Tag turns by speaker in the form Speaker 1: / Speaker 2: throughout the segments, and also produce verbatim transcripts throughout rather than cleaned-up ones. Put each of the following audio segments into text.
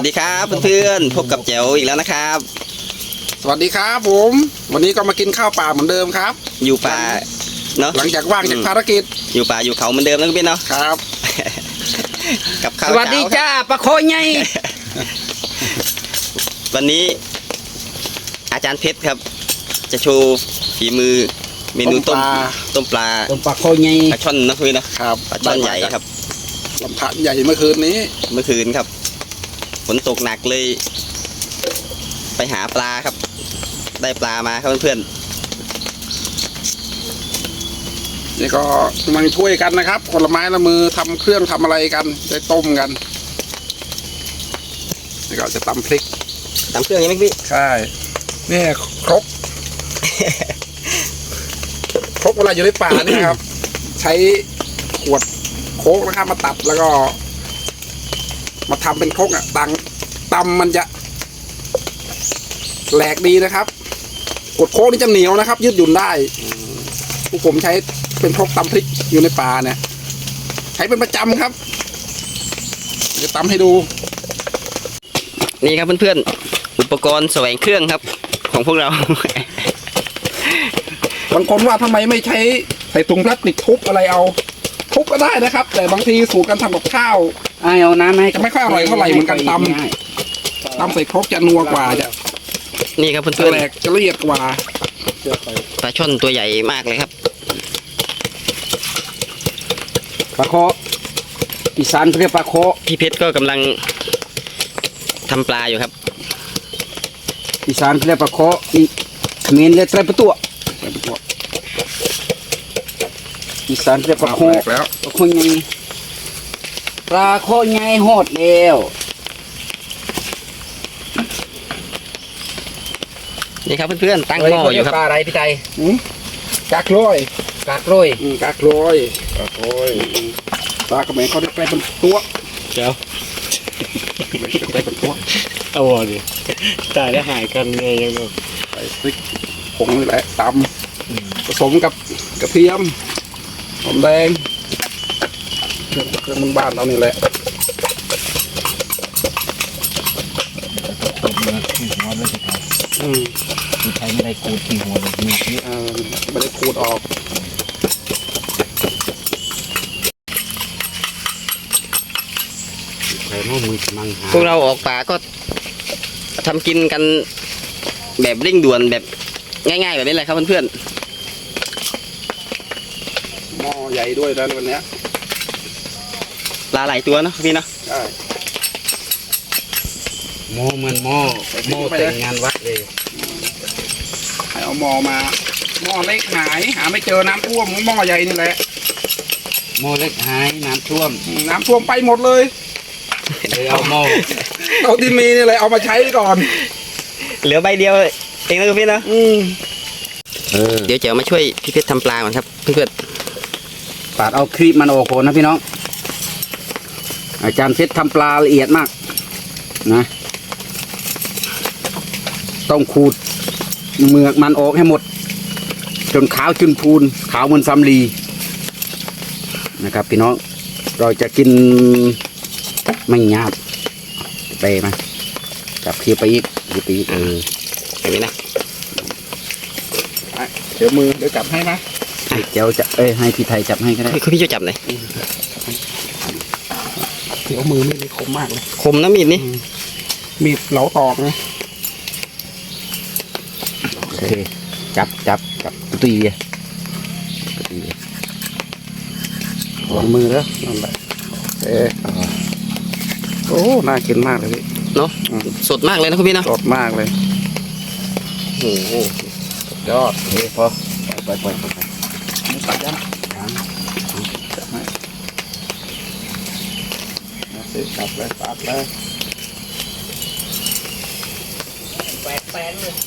Speaker 1: ดีครับเพื่อนๆพบกับแจ๋วอีกแล้วนะครับ
Speaker 2: สวัสดีครับผมวันนี้ก็มากินข้าวป่าเหมือนเดิมครับ
Speaker 1: อยู่ป่าเนาะ
Speaker 2: หลังจากว่างจากภารกิจ
Speaker 1: อยู่ป่าอยู่เขาเหมือนเดิมนะพี่เนาะ
Speaker 2: ครับ
Speaker 1: กับข้าว
Speaker 3: สวัสดีจ้าปะโคยไง
Speaker 1: วันนี้อาจารย์เพชรครับจะโชว์ฝีมือเมนูต้มต้มปลา
Speaker 3: ต้มปลาโคยไง
Speaker 1: ปลาช่อนนะพี่เนาะ
Speaker 2: ครับ
Speaker 1: ปลาช่อนใหญ่ครับ
Speaker 2: ลำพันใหญ่เมื่อคืนนี้
Speaker 1: เมื่อคืนครับฝนตกหนักเลยไปหาปลาครับได้ปลามาครับเพื่อน
Speaker 2: ๆนี่ก็มาช่วยกันนะครับคนละไม้ละมือทำเครื่องทำอะไรกันได้ต้มกันนี่ก็จะตำพริก
Speaker 1: ตำเครื่องยังไหมพี่
Speaker 2: ใช่นี่ครกครกเวลาอยู่ในป่านี่ครับใช้ขวดโค้กนะครับมาตัดแล้วก็มาทำเป็นครกอ่ะตังตำมันจะแหลกดีนะครับกดโค้กนี่จะเหนียวนะครับยืดหยุ่นได้พวกผมใช้เป็นครกตำพริกอยู่ในป่าเนี่ยใช้เป็นประจำครับจะตำให้ดู
Speaker 1: นี่ครับเพื่อนๆอุปกรณ์แสวงเครื่องครับของพวกเรา
Speaker 2: บางคนว่าทำไมไม่ใช้ใส่ถุงพลาสติกทุบอะไรเอาทุบก็ได้นะครับแต่บางทีสูตรการทำกับข้าว
Speaker 3: เอาน้ำให้
Speaker 2: จะไม่ค่อยอร่อยเท่าไหร่เหมือนกันตำตำใส่ครกจะนัวกว่าจะ
Speaker 1: นี่ครับเพื่อนๆ
Speaker 2: แหลกจะละเอียดกว่า
Speaker 1: ปลาช่อนตัวใหญ่มากเลยครับ
Speaker 3: ปลาโคอีสานเรียกปลาโค
Speaker 1: พี่เพชรก็กำลังทำปลาอยู่ครับ
Speaker 3: อีสานเรียกปลาโคอีเขมรเรียกไตรประตูอีสานเรียกปลาโค
Speaker 2: แล้ว
Speaker 3: ปลาโคไงปลาโคไงโหดแล้ว
Speaker 1: นี่ครับเพื่อนๆตั้งหม้ออยู่ครับ
Speaker 3: ปลาอะไรพี่ไต
Speaker 2: กากลอย
Speaker 3: กากลอย
Speaker 2: กากลอยกากลอยปลากระแมงเขาได้แปลเป็นตัว
Speaker 4: เจ้า
Speaker 2: แปลเป็นตัว
Speaker 4: เอาดิตายแล้วหายกันไงยังไง
Speaker 2: ใส่พริกผงนี่แหละตำผสมกับกระเทียมหอมแดงเครื่องเครื่องบ้านเรานี่แหละ
Speaker 4: ตบเนื้อที่หัวเลยสิครับ
Speaker 2: อืม
Speaker 4: ที่ใช้ไม่ได้ขูดที่หัวเลยเนื้อนี่
Speaker 2: เออไม่ได้ขูดออก
Speaker 1: พวกเราออกป่าก็ทำกินกันแบบเร่งด่วนแบบง่ายๆแบบนี้เลยครับเพื่อน
Speaker 2: ๆหม้อใหญ่ด้วยนะวันนี้
Speaker 1: ปลาหลายตัวเนาะพี่เนาะ
Speaker 2: ใช่
Speaker 4: หม้อเหมือนหม้อหม้อแต่งงานวัดเลย
Speaker 2: ให้เอาหม้อมาหม้อเล็กหายหาไม่เจอน้ำท่วมหม้อใหญ่นี่แหละ
Speaker 4: หม้อเล็กหายน้ำท่วม
Speaker 2: น้ำท่วมไปหมดเลย
Speaker 4: เลยเอาหม้อ
Speaker 2: เอาที่มีนี่เลยเอามาใช้ก่อน
Speaker 1: เหลือใบเดียวเองนะพี่เนาะเดี๋ยวเจ๋วมาช่วยพี่เพชรทำปลาก่อนครับเพื่อน
Speaker 3: ปาดเอาครีบมันออกก่อนนะพี่น้องอาจารย์เพชรทำปลาละเอียดมากนะต้องขูดเมือกมันออกให้หมดจนขาวจนพูนขาวเหมือนสำลีนะครับพี่น้องเราจะกินไม่หยาบไปมาจับเคี้ยวไปอีกเคี้ยวไปอีกเออ
Speaker 1: เห็นไหมนะ
Speaker 2: เดี๋ยวมือเดี๋ยวจับให้นะ
Speaker 3: เดี๋ยวจะเอ้ยให้พี่ไทยจับให้ก็ได้
Speaker 1: คุณพี่จะจับไหน
Speaker 2: เดี๋ยวมือมีดคมมากเลย
Speaker 1: คมนะมีดนี่
Speaker 2: มีดเหลาตอกนะ
Speaker 3: โอเคจับจับจับตีเลยตีเลย
Speaker 2: วางมือแล้วนั่นแหละเออโอ้น่ากินมากเลยพี่
Speaker 1: เนาะสดมากเลยนะคุณพี่เนาะ
Speaker 2: สดมากเลย
Speaker 1: โอ้โห
Speaker 2: ยอด
Speaker 3: โอเคพอไปไปไปไป
Speaker 2: ไม่ตัดยังจับให้ตัดเลยตัดเลย
Speaker 3: แปดแปดเลย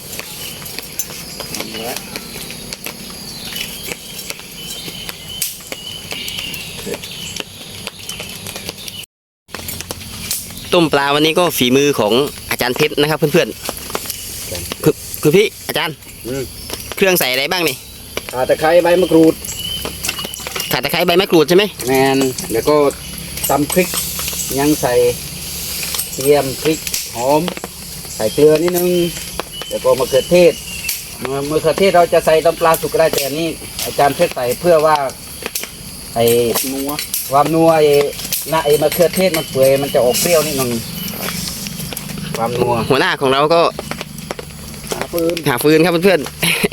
Speaker 1: ต้มปลาวันนี้ก็ฝีมือของอาจารย์เพชรนะครับเพื่อนๆคือคือพี่อาจารย์เครื่องใส่อะไรบ้างนี่
Speaker 3: ข่าตะไคร้ใบมะกรูด
Speaker 1: ข่าตะไคร้ใบมะกรูดใช่ไหม
Speaker 3: แมนแล้วก็ตำพริกยังใส่ทียมพริกหอมใส่เกลือนิดนึงแล้วก็มะเขือเทศมะเขือเทศเราจะใส่ตำปลาสุกก็ได้แต่อันนี้อาจารย์เพชรใส่เพื่อว่าไอ้
Speaker 2: นัว
Speaker 3: ความนัวไอ้หน้าไอ้มะเขือเทศมันเปื่อยมันจะออกเปรี้ยวนิดนึงความนัว
Speaker 1: หัวหน้าของเราก็
Speaker 2: หาปืน
Speaker 1: หาฟืนครับเพื่อน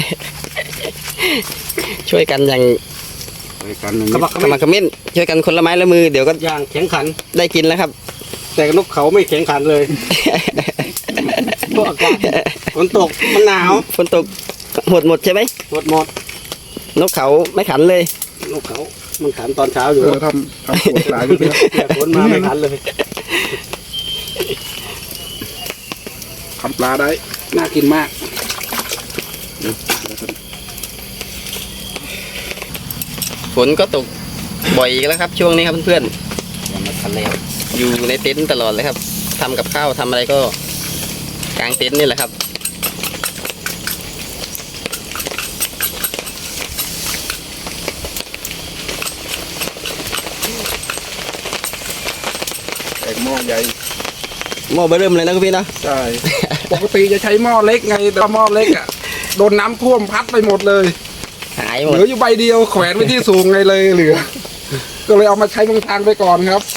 Speaker 1: ๆ ช่วยกันอย่าง
Speaker 3: ไปกันหนึ่ง
Speaker 4: ขมัก
Speaker 1: ขมักเขม้นช่วยกันคนละไม้ละมือเดี๋ยวก็
Speaker 4: อย่างแข็งขัน
Speaker 1: ได้กินแล้วครับ
Speaker 4: แต่นกเขาไม่แข็งขันเลยเพราะอากาศฝนตกมันหนาว
Speaker 1: ฝนตกหมดหมดใช่ไหม
Speaker 4: หมดหมด
Speaker 1: นกเขาไม่ขันเลย
Speaker 4: นกเขามันขันตอนเช้าอยู่
Speaker 2: เออทำทำปวดหลายอยู่เนี่ย
Speaker 4: แต่ฝนมาไม่ขันเลย
Speaker 2: ทำปลาได้น่ากินมาก
Speaker 1: ฝนก็ตกบ่อยอีกแล้วครับ ช่วงนี้ครับเพื่อน
Speaker 3: อย่างมาทะเล
Speaker 1: ๆอยู่ในเต็นท์ตลอดเลยครับทำกับข้าวทำอะไรก็กางเต็นท์นี่แหละครับ
Speaker 2: แต่หม้อใหญ่
Speaker 1: หม้อเบอร์เริ่มเลยนะคุณพี่เนาะ
Speaker 2: ใช่ ปกติจะใช้หม้อเล็กไง แต่ว่าหม้อเล็กอ่ะ โดนน้ำท่วมพัดไปหมดเลย
Speaker 1: หายห
Speaker 2: เห
Speaker 1: มด
Speaker 2: ลืออยู่ใบเดียวแขวนไว้ที่สูงไงเลยเหลือ ก็เลยเอามาใช้บางทางไปก่อนครับ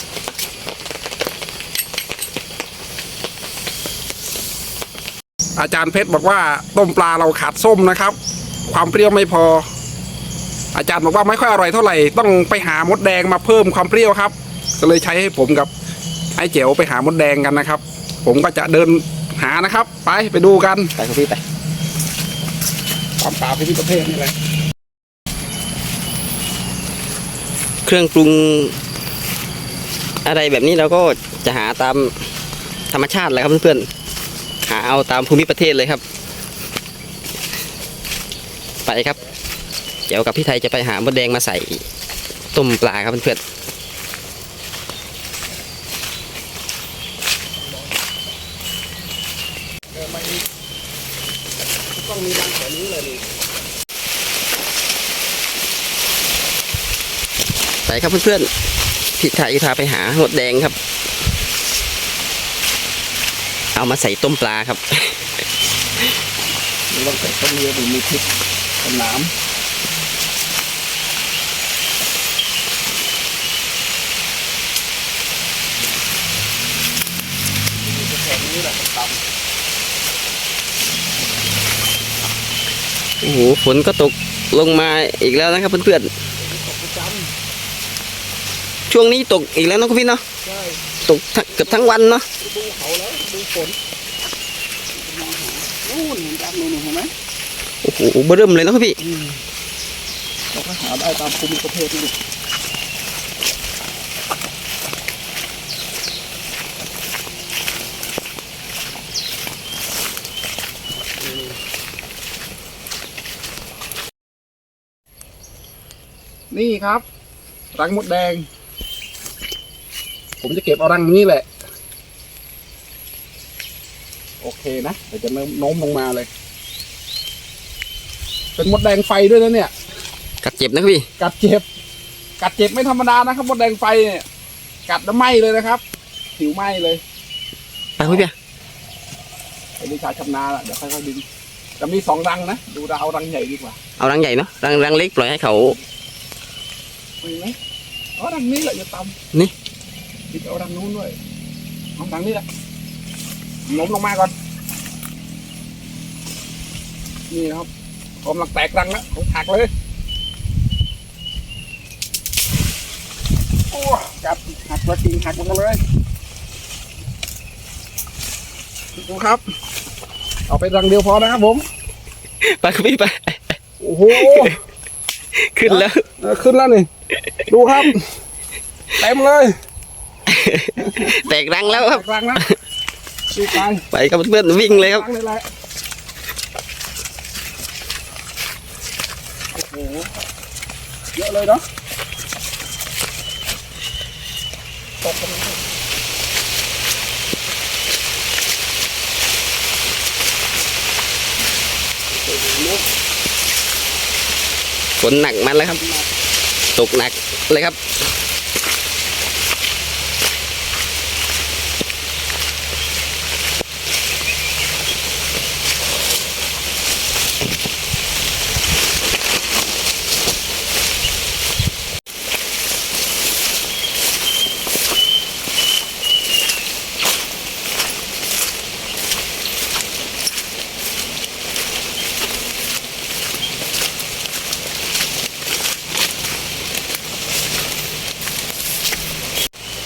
Speaker 2: อาจารย์เพชรบอกว่าต้มปลาเราขาดส้มนะครับ ความเปรี้ยวไม่พอ อาจารย์บอกว่าไม่ค่อยอร่อยเท่าไหร่ต้องไปหามดแดงมาเพิ่มความเปรี้ยวครับ ก็เลยใช้ให้ผมกับไอ้เจ๋วไปหามดแดงกันนะครับ ผมก็จะเดินหานะครับ ไปไปดูกัน
Speaker 1: ไปคุณพี่ไป
Speaker 2: ความปลาพิพิธภัณฑ์นี่แหละ
Speaker 1: เครื่องปรุงอะไรแบบนี้เราก็จะหาตามธรรมชาติเลยครับเพื่อนๆหาเอาตามภูมิประเทศเลยครับ ไปครับเดี๋ยวกับพี่ไทยจะไปหามดแดงมาใส่ต้มปลาครับเพื่อนๆ
Speaker 2: ต้องมีรังแถวนี้เลยดิ
Speaker 1: ไปครับเพื่อนๆพี่ไทยพาไปหาหมดแดงครับ เอามาใส่ต้มปลาครับ
Speaker 2: มีรังแถวต้นเรือหรือมีพริกเป็นน้ำแถวนี้แหละตำ
Speaker 1: โอ้โหฝนก็ตกลงมาอีกแล้วนะครับเพื่อนๆช่วงนี้ตกอีกแล้วเนาะคุณพี่เนาะ
Speaker 2: ใช่
Speaker 1: ตกทั้งเกือบทั้งวันเนาะ
Speaker 2: ดูเขาแล้วดูฝนนู่นเห็นจากนู่นเห็นไหม
Speaker 1: โอ้โหเบิ่มเลยเนาะคุณพี่
Speaker 2: เราก็หาได้ตามภูมิประเทศนี่นี่ครับรังมดแดง ผมจะเก็บเอารังนี้แหละ โอเคนะเดี๋ยวจะโน้มลงมาเลย เป็นมดแดงไฟด้วยนะเนี่ย
Speaker 1: กัดเจ็บนะคุณพี่
Speaker 2: กัดเจ็บ กัดเจ็บไม่ธรรมดานะครับมดแดงไฟเนี่ย กัดแล้วไหม้เลยนะครับ ผิวไหม้เลย
Speaker 1: ไปคุณพี่
Speaker 2: ไอ้วิชาชำนาญอะเดี๋ยวค่อยๆดึงจะมีสองรังนะ ดูเราเอารังใหญ่ดีกว่า
Speaker 1: เอารังใหญ่เนาะรังรังเล็กปล่อยให้เขา
Speaker 2: มีไหมอ๋อรังนี้แหละอย่าตำ
Speaker 1: นี่
Speaker 2: ดิเอารังนู้นด้วยเอารังนี้แหละล้มลงมาก่อน นี่ครับกำลังแตกรังแล้วของหักเลยโอ้กัดหักแล้วจริงหักหมดเลยดูครับ เอาไปรังเดียวพอนะครับผม
Speaker 1: ไปคุณพี่ไป
Speaker 2: โอ้โห
Speaker 1: ขึ้นแล้ว
Speaker 2: เออขึ้นแล้วนี่ ดูครับ เต็มเลย
Speaker 1: แตกรังแล้วครับ
Speaker 2: แตกรังแล้วดีใจ
Speaker 1: ไปครับเพื่อนๆวิ่งเลยครับ
Speaker 2: รังเลยแหละโอ้โหเยอะเลยเนาะตกกันเลย
Speaker 1: ฝนหนักมันแล้วครับ ตกหนักเลยครับ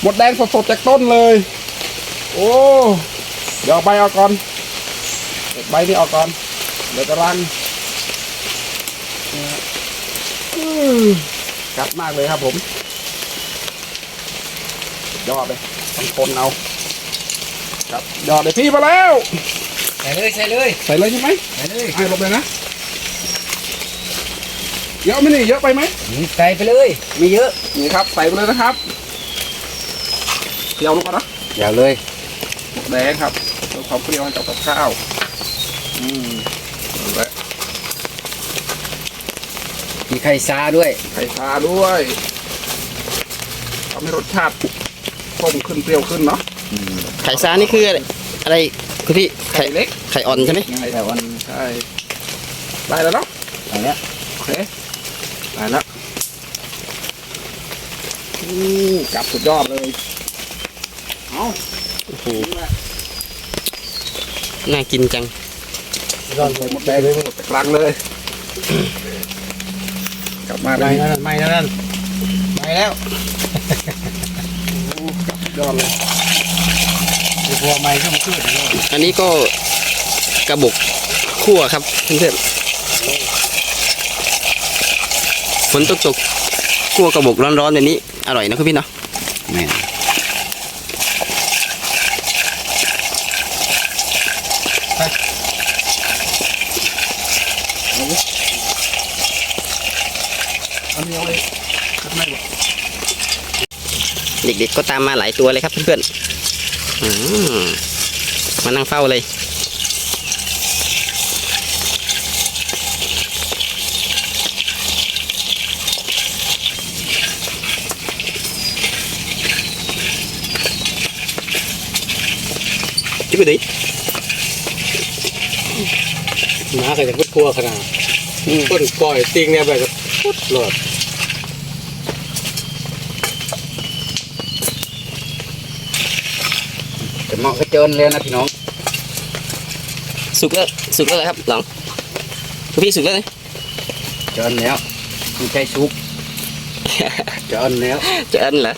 Speaker 2: หมดแดงสดๆจากต้นเลย โอ้เดี๋ยวเอาใบออกก่อนเด็ดใบนี้ออกก่อนเดี๋ยวจะรังอืมกัดมากเลยครับผมยอดเลยต้องทนเอาครับยอดเลยพี่มาแล้ว
Speaker 3: ใส่เลยใส่เลย
Speaker 2: ใส่เลยใช่ไหม
Speaker 3: ใส่เลย
Speaker 2: ไอ้ลงเลยนะเยอะไหมนี่เยอะไปไหม
Speaker 3: ใส่ไปเลยไม่เยอะ
Speaker 2: นี่ครับใส่ไปเลยนะครับเคี่ยวลงก่อนนะ
Speaker 3: อย่าเลย
Speaker 2: หมกแดงครับเพิ่มความเปรี้ยวให้กับกับข้าวอืมนั่นแหละ
Speaker 3: มีไข่ซาด้วย
Speaker 2: ไข่ปลาด้วยทำให้รสชาติต้มขึ้นเปรี้ยวขึ้นเนาะ
Speaker 1: ไข่ซานี่คืออะไรอะไรคุณพี่ไข่
Speaker 2: ไข่เล็ก
Speaker 1: ไข่อ่อนใช่ไหม
Speaker 2: ไข่อ่อนใช่ได้แล้วเนาะ
Speaker 3: ใส่แล้ว
Speaker 2: โอเคได้แล้วอืมกลับสุดยอดเลยเอา
Speaker 1: โอ้โหน่ากินจัง
Speaker 2: ร้อนใส่หมดแดงเลยหมดกลางเลยกลับมาเล
Speaker 4: ไม่
Speaker 2: ย
Speaker 4: นั่นไม่นั่นไม่แล้ว
Speaker 2: ยอดเลย
Speaker 4: ตัวไม่ก็มันขึ้นแล้ว
Speaker 1: อันนี้ก็กระบอกคั่วครับเพื่อนๆฝนตกตกๆคั่วกระบอกร้อนๆแบบนี้อร่อยนะคุณพี่เนาะ
Speaker 3: แม่น
Speaker 2: อันนี้เอาเลยขัดไม่หมด
Speaker 1: เด็กๆก็ตามมาหลายตัวเลยครับเพื่อนๆอืมมานั่งเฝ้าเลยจุ๊บดิ
Speaker 4: น้าใครจะพูดครัวขนาดต้นก้อยติงเนี่ยแบบพุดหลอด
Speaker 3: จะเหมาะกับเจินเลยนะพี่น้อง
Speaker 1: สุกแล้วสุกแล้วเหรอครับหลังคุณพี่สุกแล้วนะ
Speaker 3: เจินแล้วไม่ใช่ซุปเจินแล้ว
Speaker 1: จะเอินเหรอ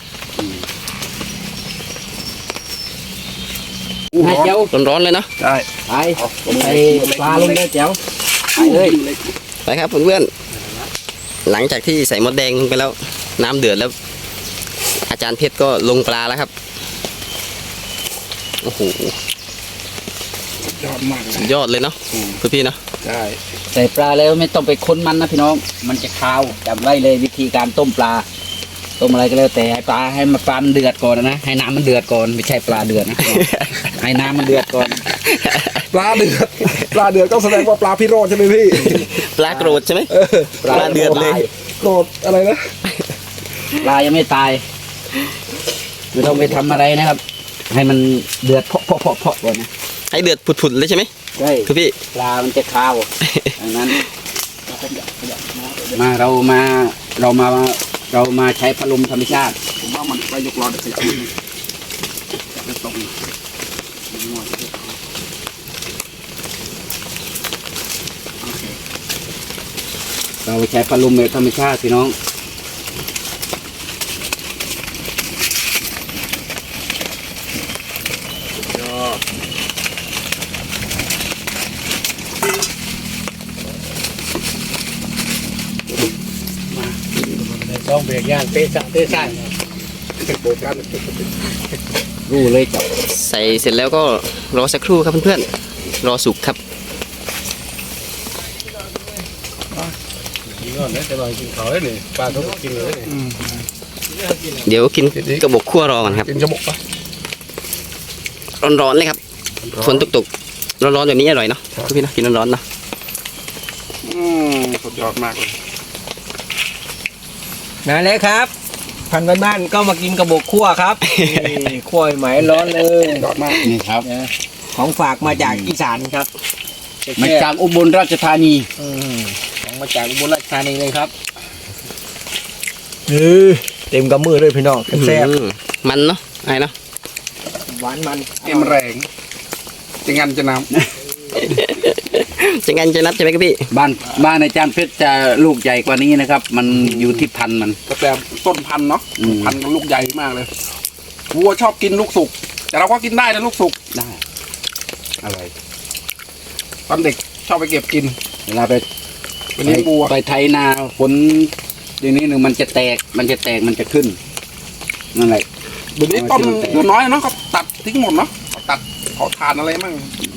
Speaker 2: อู้
Speaker 3: ให้
Speaker 2: ร้อน
Speaker 3: เจ้า
Speaker 1: ร้อนๆเลยเนาะ
Speaker 2: ได้
Speaker 3: ไปใส่ปลาลงเลยเจ้าไปเลย
Speaker 1: ไปครับเพื่อนๆหลังจากที่ใส่มดแดงลงไปแล้ว น้ำเดือดแล้ว อาจารย์เพชรก็ลงปลาแล้วครับโอ้โห
Speaker 2: ยอดมากเล
Speaker 1: สุ
Speaker 2: ย
Speaker 1: ดยอดเลยเนาะคุณพี่เนาะ
Speaker 2: ได้
Speaker 3: ใส่ปลาแล้วไม่ต้องไปค้นมันนะพี่น้อง มันจะคาวจำไว้เลยวิธีการต้มปลา ต้มอะไรก็แล้วแต่ให้ปลาให้มันปลามันเดือดก่อนนะให้น้ำมันเดือดก่อนไม่ใช่ปลาเดือดนะให้น้ำมันเดือดก่อน
Speaker 2: ปลาเดือดปลาเดือดก็แสดงว่าปลาพิโรธใช่ไหมพี่
Speaker 1: ปลาโกรธใช่ไหม ปลาเดือดเลย
Speaker 2: โกรธอะไรนะ
Speaker 3: ปลายังไม่ตายไม่ต้องไปทำอะไรนะครับ ให้มันเดือดเพาะเพาะเพาะเพาะก่อนนะ
Speaker 1: ให้เดือดผุดๆเลยใช่ไหม
Speaker 3: ใช่
Speaker 1: คุณพี่
Speaker 3: ปลามันจะคาวดังนั้น มาเรามาเรามาเรามาใช้พัดลมธรรมชาติ
Speaker 2: ผมว่ามันไปยกรอเด็กขยับจะตรงโอเค
Speaker 3: เราใช้พัดลมแบบธรรมชาติพี่น้อง
Speaker 2: ยอด
Speaker 4: ต้องเบรกย่างเตะสะเตะใส่
Speaker 2: โบกัน
Speaker 3: รู้เลยจับ
Speaker 1: ใส่เสร็จแล้วก็รอสักครู่ครับเพื่อนๆรอสุกครับ
Speaker 4: กินก่อนนะจะลอยกินเขาเลยนี่ปลาเขากินเลยนี่
Speaker 1: เดี๋ยวกินกระบอกคั่วรอก่อนครับ
Speaker 2: กินจมูกปะ
Speaker 1: ร้อนๆเลยครับฝนตกๆร้อนๆแบบนี้อร่อยเนาะคุณพี่เนาะกินร้อนๆเนาะ
Speaker 2: อืมสุดยอดมากเลย
Speaker 4: นั่นแหละครับ พันธุ์บ้านๆก็มากินกระบอกคั่วครับนี่คั่วใหม่ร้อนเลย
Speaker 2: ยอดมาก
Speaker 3: นี่ครับ
Speaker 4: นะของฝากมาจากอีสานครับ
Speaker 3: มาจากอุบลราชธานี
Speaker 4: อืมของมาจากอุบลราชธานีเลยครับเออเต็มกำมือเลยพี่น้องแซ่บ
Speaker 1: อืมมันเนาะไอ้เนาะ
Speaker 4: หวานมัน
Speaker 2: เอ็มแรงจะงันจะน้
Speaker 1: จะงั้นจะนับใช่ไหมครับพี่
Speaker 3: บ้านบ้านอาจารย์เพชรจะลูกใหญ่กว่านี้นะครับ มันอยู่ที่พันธุ์มัน
Speaker 2: ำก็แต่ต้นพันธุ์เนาะ
Speaker 3: อืม
Speaker 2: พันธุ์ก็ลูกใหญ่มากเลยวัวชอบกินลูกสุกแต่เราก็กินได้นะลูกสุก
Speaker 3: ได้อร่อย
Speaker 2: ตอนเด็กชอบไปเก็บกิน
Speaker 3: เวลาไป
Speaker 2: ไปเลี้ยงวัว
Speaker 3: ไปไถนาฝนอย่างนี้หนึ่งมันจะแตกมันจะแตกมันจะขึ้นนั่นแหละ
Speaker 2: เดี๋ยวนี้ต้นต้นน้อยเนาะก็ตัดทิ้งหมดเนาะเขาตัดเขาทานอะไรมั่ง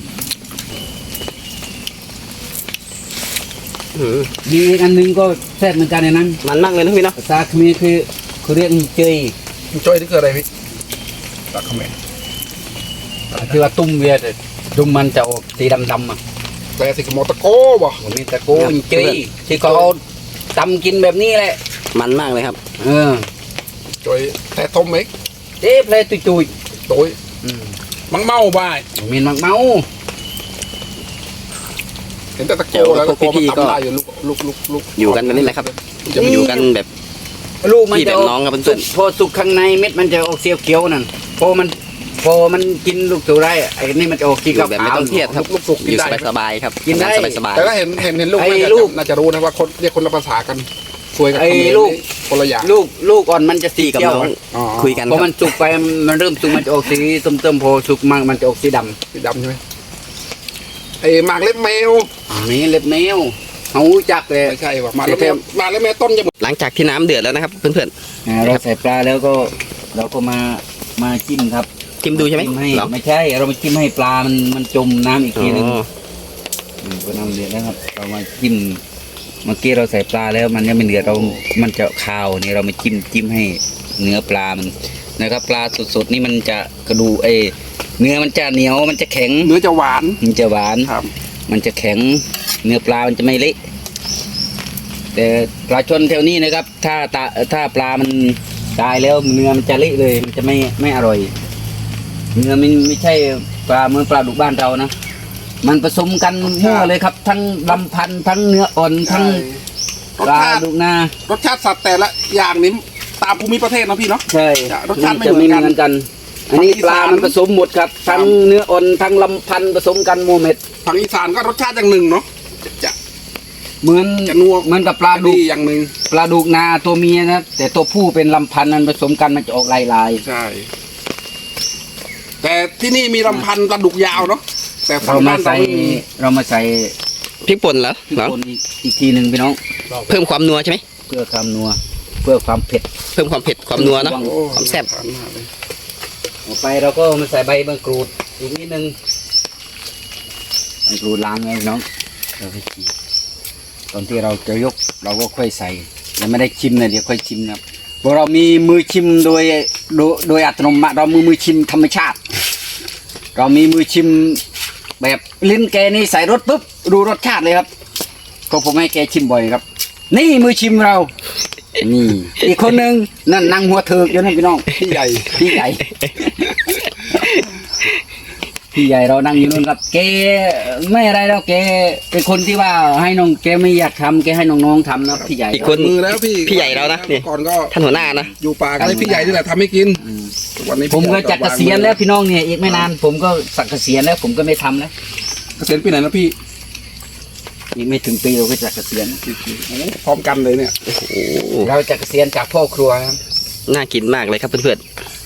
Speaker 1: อืม
Speaker 3: มีอีกอันหนึงก็แซ่บเหมือนกันในนั้น
Speaker 1: มันมากเลยนะพี่เนาะ
Speaker 3: ภาษาเขมรคือคือเรียกเจย
Speaker 2: มันช่วยที่เกิดอะไรพี่ตัดเขมร
Speaker 3: คือว่าตุ้มเวียดตุ้มมันจะออกสีดำๆอ่ะ
Speaker 2: แปลสิกโมตะโกบ่
Speaker 3: ผมมีตะโกนเจยที่เขาเอาตำกินแบบนี้แหละ
Speaker 1: มันมากเลยครับ
Speaker 3: เออ
Speaker 2: ช่วยแต่ต้มเม็ก
Speaker 3: เจ๊เพลตุยตุย
Speaker 2: โดย
Speaker 3: ๆอืม
Speaker 2: มังเมาบ่าย
Speaker 3: ผมมีมักเมา
Speaker 2: เห็นแต่ตะโกแล้วตะโกมันตำได้อยู่ลูกลูกลูกลูก
Speaker 1: อยู่กันแบบนี้แหละครับ จะมาอยู่กันแบบ
Speaker 3: ลูกมัน
Speaker 1: พี่แบ
Speaker 3: จะ
Speaker 1: บ
Speaker 3: ออก
Speaker 1: น้องครับเพื่
Speaker 3: สุ
Speaker 1: อน
Speaker 3: กพอสุกข้างในเม็ดมันจะออกเสียวเขียวนั่นพอมันพอมันกินลูกตัวได้ไอ้นี่มันจะออก
Speaker 1: ๆ
Speaker 3: สี
Speaker 1: อยู่แบบไม่ต้องเครียดครับ
Speaker 2: ลูกสุก
Speaker 1: อ
Speaker 2: กิน
Speaker 1: ยู่
Speaker 2: ได้
Speaker 1: สบายๆครับ
Speaker 3: กินได้
Speaker 1: สบาย
Speaker 2: แต่ถ้าเห็นเห็นเห็นลูก
Speaker 3: ไอ้
Speaker 2: น่าจะ
Speaker 3: ลูก
Speaker 2: น่าจะรู้นะว่าคนเรียกคนละภาษากันสวยกับ
Speaker 3: ไอ้
Speaker 2: เขมร
Speaker 3: ลูก
Speaker 2: นี่คนละอย่าง
Speaker 3: ลูกลูกอ่อนมันจะสี
Speaker 1: ๆกับ
Speaker 3: เขียว
Speaker 1: น้อง
Speaker 2: อ๋อ
Speaker 1: คุยกัน
Speaker 3: พอ
Speaker 1: ค
Speaker 3: มั
Speaker 1: รับ
Speaker 3: นสุกไปมันเริ่มสุกมันจะออกสีส้มๆพอสุกมากมันจะออกสีด
Speaker 2: สีดำใช่ไหมไอ้หมากเล็บแมว
Speaker 3: ำนี่เล็บแมวเขาจักเลย
Speaker 2: ไม่ใช่ว่ะหมากเล็บแมวหมากเล็บแมวต้นจะ
Speaker 1: หลังจากที่น้ำเดือดแล้วนะครับ เพื่อน
Speaker 3: อ่าเราใส่ปลาแล้วก็เราก็มามาจิ้มครับ
Speaker 1: ๆจิ้มดูใช่ไหม
Speaker 3: จิ้มให้
Speaker 1: เหรอ
Speaker 3: ไม่ใช่เรามาจิ้มให้ปลามันมันจมน้ำอีก
Speaker 1: อ๋
Speaker 3: ทีหนึง
Speaker 1: อ
Speaker 3: มก็น้ำเดือดแล้วครับ เรามาจิ้มเมื่อกี้เราใส่ปลาแล้วมันยังไม่เดือดเรา มันจะคาวนี่เรามาจิ้มจิ้มให้เนื้อปลามันนะครับ ปลาสดๆนี่มันจะกระดูเอยเนื้อมันจะเหนียวมันจะแข็ง
Speaker 2: เนื้อจะหวาน
Speaker 3: มันจะหวาน
Speaker 2: ครับ
Speaker 3: มันจะแข็งเนื้อปลามันจะไม่เละแต่ปลาชนแถวนี้นะครับ ถ้าตาถ้าปลามันตายแล้วเนื้อมันจะเละเลยมันจะไม่ไม่อร่อย เนื้อมันไม่ใช่ปลาเหมือนปลาดุกบ้านเรานะ มันผสมกันมั่วเลยครับ ทั้งลำพันธุ์ทั้งเนื้ออ่อนทั้ง
Speaker 2: รส
Speaker 3: ปลา
Speaker 2: ชาติ
Speaker 3: ดุกนาร
Speaker 2: สชาติสัตว์แต่ละอย่างนี้ตามภูมิประเทศนะพี่เนาะ
Speaker 3: ใช่
Speaker 2: รสชาติไม่
Speaker 3: จะ
Speaker 2: เหมื
Speaker 3: ไม่
Speaker 2: อนกัน
Speaker 3: เหมือนกัน อันนี้
Speaker 2: ฝั่งอี
Speaker 3: ป
Speaker 2: สาน
Speaker 3: ลามันผสมหมดครับ ทั้งเนื้ออ่อนทั้งลำพันธุ์ผสมกันโมเม็ด
Speaker 2: ฝั่งอีสานก็รสชาติอย่างหนึ่งเนาะจะจะ
Speaker 3: เหมือน
Speaker 2: จะนัว
Speaker 3: เหมือนกับปลาดุ
Speaker 2: ดี
Speaker 3: ก
Speaker 2: อย่างหนึ่ง
Speaker 3: ปลาดุกนาตัวเมียนะแต่ตัวผู้เป็นลำพันธุ์มันผสมกันมันจะออกลายลาย
Speaker 2: ใช่ แต่ที่นี่มีลำพันธุ์ปลาดุกยาวเนาะแต่
Speaker 3: ๆ
Speaker 2: ฝั่
Speaker 3: เรา
Speaker 2: ง
Speaker 3: มา
Speaker 2: บ้านเรา
Speaker 3: ใส่เรามาใส่
Speaker 1: พริกป่นเหรอ
Speaker 3: พริก
Speaker 1: เหรอ
Speaker 3: ป่นอีกอีกทีหนึ่งพี่น้อง
Speaker 1: เพิ่มความนัวใช่ไหม
Speaker 3: เพื่อความนัว เพื่อความเผ็ด
Speaker 1: เพิ่มความเผ็ดความนัวเนอะ
Speaker 2: โอ้
Speaker 1: ความแซ่บ
Speaker 2: ทานมากเลย
Speaker 3: ต่อไปเราก็มาใส่ใบมะกรูดอีกนิดนึงมะกรูดล้างไงพี่น้องเราไปฉีกตอนที่เราจะยกเราก็ค่อยใส่ยังไม่ได้ชิมเลยเดี๋ยวค่อยชิมนะครับเพราะเรามีมือชิมโดยโดยโดยอัตโนมัติเรามือมือชิมธรรมชาติ เรามีมือชิมแบบลิ้นแกนี่ใส่รสปุ๊บรู้รสชาติเลยครับก็ผมให้แกชิมบ่อยครับ นี่มือชิมเรา นี่ อีกคนหนึ่งนั่นนั่งหัวเถิกอยู่นั่นพี่น้อง
Speaker 2: พี่ใหญ่
Speaker 3: พี่ใหญ่ พี่ใหญ่เรานั่งอยู่นู่นครับแกไม่อะไรแล้วแกเป็นคนที่ว่าให้น้องแกไม่อยากทำแกให้น้องๆทำนะพี่ใหญ่
Speaker 1: อีกคน
Speaker 2: มือแล้วพี่
Speaker 1: พี่ใหญ่เรานะนี่
Speaker 2: ก่อนก็
Speaker 1: ท่านหัวหน้านะ
Speaker 2: อยู่ป่าก็ให้พี่ใหญ่นี่แหละทำให้กิน
Speaker 3: อืม
Speaker 2: วันนี้
Speaker 3: ผมก็
Speaker 2: พี่ใหญ่
Speaker 3: จะเกษียณแล้วพี่น้องเนี่ยอีกไม่นาน ผมก็สักเกษียณแล้ว ผมก็ไม่ทำแล้ว
Speaker 2: เกษียณปีไหนนะพี่
Speaker 3: อีกไม่ถึงปีเราก็จะเกษียณ
Speaker 2: โอ้พร้อมกันเลยเนี่ย
Speaker 1: โอ้โห
Speaker 3: เราจะเกษียณจากพ่อครัวครับ
Speaker 1: น่ากินมากเลยครับเพื่อน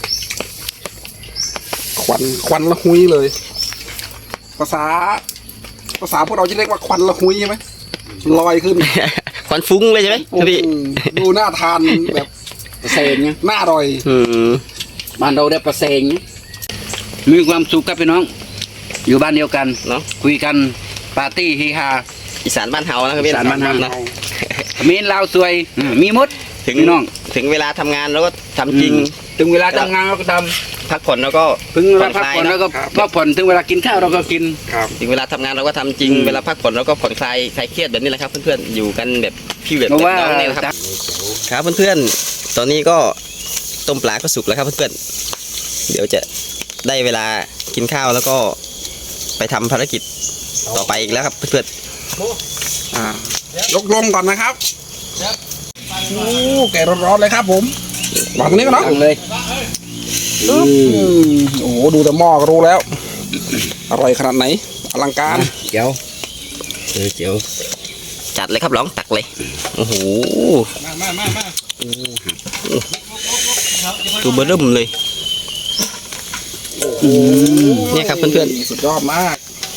Speaker 2: ควันควันละหุยเลย ภาษา ภาษาพวกเราจะเรียกว่าควันละหุยใช่ไหมลอยขึ้น
Speaker 1: ๆ ควันฟุ้งเลยใช่ไหม
Speaker 2: โอ้โห
Speaker 1: พี่
Speaker 2: ดูน่าทานแบบ
Speaker 3: เปอร์เซ็นต์เนี่ย
Speaker 2: น่าอร่อย
Speaker 1: อืม
Speaker 3: บ้านเราได้เปอร์เซ็นต์เนี่ยมีความสุขครับพี่น้อง อยู่บ้านเดียวกัน
Speaker 1: เนาะ
Speaker 3: คุยกันปาร์ตี้เฮฮา
Speaker 1: อีสานบ้านเฮานะครับพี่
Speaker 3: อีสานบ้านเฮา
Speaker 1: นะ
Speaker 3: เขมิ้นลาวสวยอืมมีหมด
Speaker 1: ถึง
Speaker 3: พี่น้อง
Speaker 1: ถึงเวลาทำงานเราก็ทำจริง
Speaker 3: ถึงเวลาทำงานเราก็ท
Speaker 1: พักผ่อนเราก็
Speaker 3: ำถึงเวลาพักผ่อนเราก็พักผ่อนถึงเวลากินข้าวเราก็กิน
Speaker 2: ครับ
Speaker 1: ถึงเวลาทำงานเราก็ทำจริง
Speaker 3: อืม
Speaker 1: เวลาพักผ่อนเราก็ผ่อนคลายคลายเครียดแบบนี้แหละครับเพื่อนๆอยู่กันแบบพี่แบบ
Speaker 3: เพราะว่า
Speaker 1: น้องนี่แหละครับครับเพื่อนๆตอนนี้ก็ต้มปลาก็สุกแล้วครับเพื่อนๆเดี๋ยวจะได้เวลากินข้าวแล้วก็ไปทำภารกิจต่อไปอีกแล้วครับเพื่อน
Speaker 2: อ่ายกลงก่อนนะครับโอ้แกะร้อนๆเลยครับผมวางตรงนี้ก่อนเนาะ
Speaker 3: ตั้งเลย
Speaker 2: อืมโอ้โหดูแต่หม้อก็รู้แล้ว อร่อยขนาดไหน อลังการ
Speaker 3: เจียวเออเจียว
Speaker 1: ๆจัดเลยครับร้องตักเลยโอ้โห
Speaker 2: มามามามา
Speaker 1: ตัวเบอร์เริ่มเลยเนี่ยครับเพื่อน
Speaker 2: สุดยอดมาก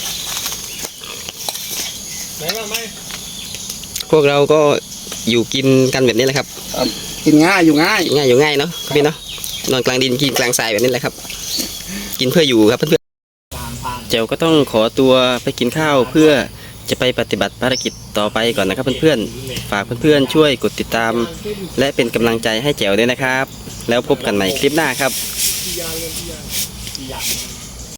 Speaker 1: ๆพวกเราก็อยู่กินกันแบบนี้แหละครับ
Speaker 2: กินง่ายอยู่ง่าย
Speaker 1: ง่ายอยู่ง่ายเนาะพี่เนาะนอนกลางดินกินกลางทรายแบบนี้แหละครับ กินเพื่ออยู่ครับเพื่อนๆเจ้าก็ต้องขอตัวไปกินข้าวเพื่อจะไปปฏิบัติภารกิจต่อไปก่อนนะครับเพื่อนๆฝากเพื่อนๆช่วยกดติดตาม และเป็นกำลังใจให้แจ๋วด้วยนะครับ แล้วพบกันใหม่คลิปหน้าครับ